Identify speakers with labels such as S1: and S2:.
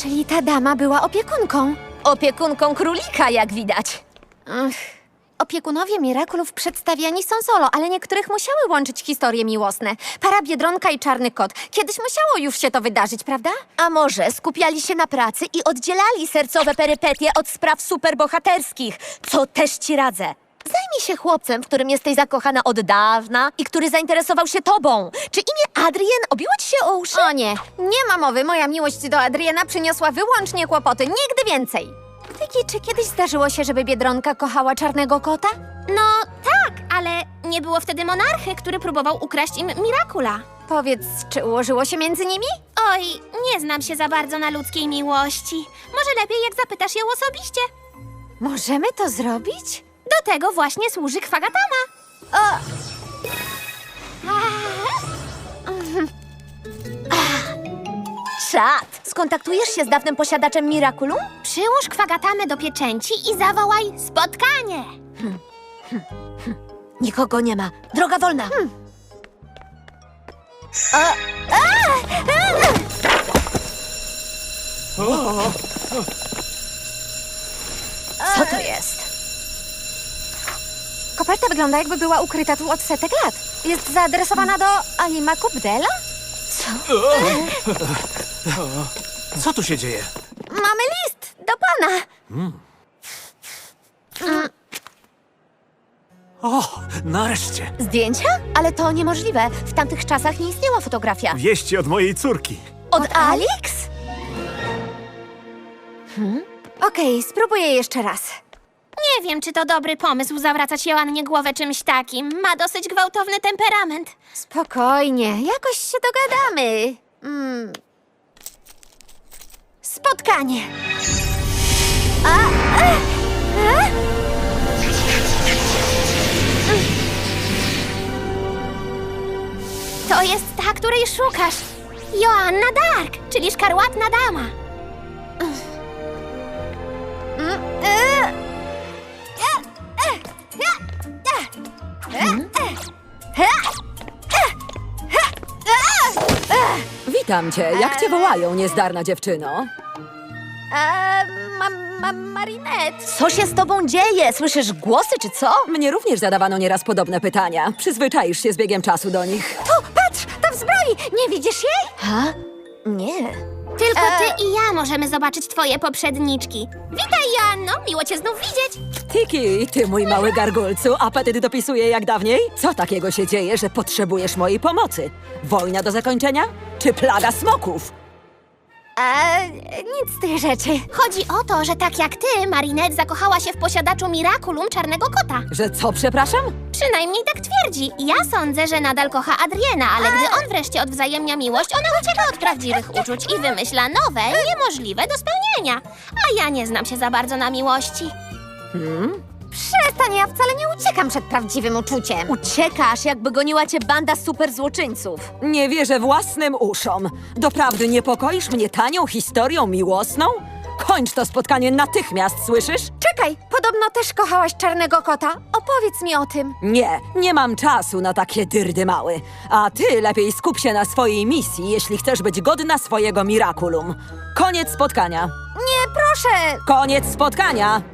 S1: Czyli ta dama była opiekunką.
S2: Opiekunką królika, jak widać.
S1: Opiekunowie Miraculów przedstawiani są solo, ale niektórych musiały łączyć historie miłosne. Para Biedronka i Czarny Kot. Kiedyś musiało już się to wydarzyć, prawda?
S2: A może skupiali się na pracy i oddzielali sercowe perypetie od spraw superbohaterskich, co też ci radzę. Zajmij się chłopcem, w którym jesteś zakochana od dawna i który zainteresował się tobą. Czy imię Adrien obiło ci się o uszy?
S1: O nie, nie ma mowy. Moja miłość do Adriana przyniosła wyłącznie kłopoty. Nigdy więcej. Tyki, czy kiedyś zdarzyło się, żeby Biedronka kochała Czarnego Kota?
S3: No tak, ale nie było wtedy monarchy, który próbował ukraść im Miracula.
S1: Powiedz, czy ułożyło się między nimi?
S3: Oj, nie znam się za bardzo na ludzkiej miłości. Może lepiej, jak zapytasz ją osobiście.
S1: Możemy to zrobić?
S3: Do tego właśnie służy Kwagatama.
S2: Czad! Skontaktujesz się z dawnym posiadaczem Miraculum?
S3: Przyłóż Kwagatamę do pieczęci i zawołaj spotkanie.
S2: Nikogo nie ma. Droga wolna. Co to jest?
S1: Koperta wygląda, jakby była ukryta tu od setek lat. Jest zaadresowana do Alima Kubdela?
S4: Co tu się dzieje?
S1: Mamy list do pana.
S4: O, nareszcie!
S2: Zdjęcia? Ale to niemożliwe. W tamtych czasach nie istniała fotografia.
S4: Wieści od mojej córki.
S2: Od Alix?
S1: Okej, spróbuję jeszcze raz.
S3: Nie wiem, czy to dobry pomysł zawracać Joannie głowę czymś takim. Ma dosyć gwałtowny temperament.
S1: Spokojnie, jakoś się dogadamy. Spotkanie.
S3: To jest ta, której szukasz. Joanna Dark, czyli szkarłatna dama.
S5: Witam cię. Jak cię wołają, niezdarna dziewczyno?
S1: Marinette.
S2: Co się z tobą dzieje? Słyszysz głosy, czy co?
S5: Mnie również zadawano nieraz podobne pytania. Przyzwyczaisz się z biegiem czasu do nich.
S1: Tu, patrz, tam w zbroi. Nie widzisz jej?
S2: Ha? Nie.
S3: Tylko ty i ja możemy zobaczyć twoje poprzedniczki. Witaj, Joanno, miło cię znów widzieć.
S5: Tiki, ty mój mały gargulcu, apetyt dopisuje jak dawniej? Co takiego się dzieje, że potrzebujesz mojej pomocy? Wojna do zakończenia? Czy plaga smoków?
S1: Nic z tych rzeczy.
S3: Chodzi o to, że tak jak ty, Marinette zakochała się w posiadaczu Miraculum Czarnego Kota.
S5: Że co, przepraszam?
S3: Przynajmniej tak twierdzi. Ja sądzę, że nadal kocha Adriena, ale gdy on wreszcie odwzajemnia miłość, ona ucieka od prawdziwych uczuć i wymyśla nowe, niemożliwe do spełnienia. A ja nie znam się za bardzo na miłości.
S1: Przestań, ja wcale nie uciekam przed prawdziwym uczuciem.
S2: Uciekasz, jakby goniła cię banda superzłoczyńców.
S5: Nie wierzę własnym uszom. Doprawdy niepokoisz mnie tanią historią miłosną? Kończ to spotkanie natychmiast, słyszysz?
S1: Czekaj, podobno też kochałaś Czarnego Kota. Opowiedz mi o tym.
S5: Nie mam czasu na takie dyrdy mały. A ty lepiej skup się na swojej misji, jeśli chcesz być godna swojego Miraculum. Koniec spotkania.
S1: Nie, proszę.
S5: Koniec spotkania!